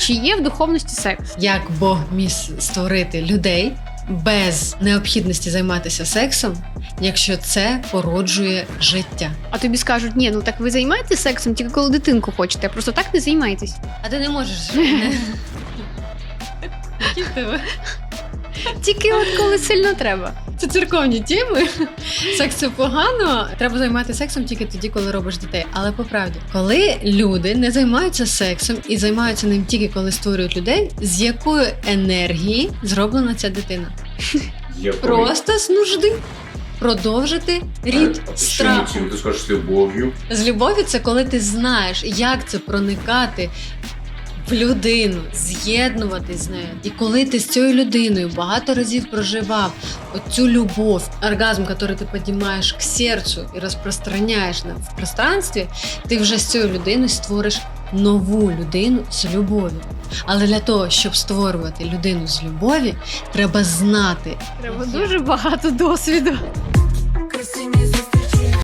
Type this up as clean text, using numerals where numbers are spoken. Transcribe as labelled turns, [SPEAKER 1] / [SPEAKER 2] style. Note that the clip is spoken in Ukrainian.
[SPEAKER 1] Чи є в духовності секс?
[SPEAKER 2] Як Бог міг створити людей без необхідності займатися сексом, якщо це породжує життя?
[SPEAKER 1] А тобі скажуть, ні, ну так ви займаєтесь сексом тільки коли дитинку хочете, а просто так не займаєтесь.
[SPEAKER 2] А ти не можеш. Які в тебе?
[SPEAKER 1] Тільки от коли сильно треба.
[SPEAKER 2] Це церковні теми. Секс це погано. Треба займатися сексом тільки тоді, коли робиш дітей. Але по правді, коли люди не займаються сексом і займаються ним тільки коли створюють людей, з якої енергії зроблена ця дитина? Просто з нужди. Продовжити рід страху.
[SPEAKER 3] Чим ти скажеш з любов'ю?
[SPEAKER 2] З любов'ю це коли ти знаєш, як це проникати в людину, з'єднуватись з нею. І коли ти з цією людиною багато разів проживав оцю любов, оргазм, який ти піднімаєш к серцю і розпространяєш в пространстві, ти вже з цією людиною створиш нову людину з любов'ю. Але для того, щоб створювати людину з любові, треба знати.
[SPEAKER 1] Треба дуже багато досвіду.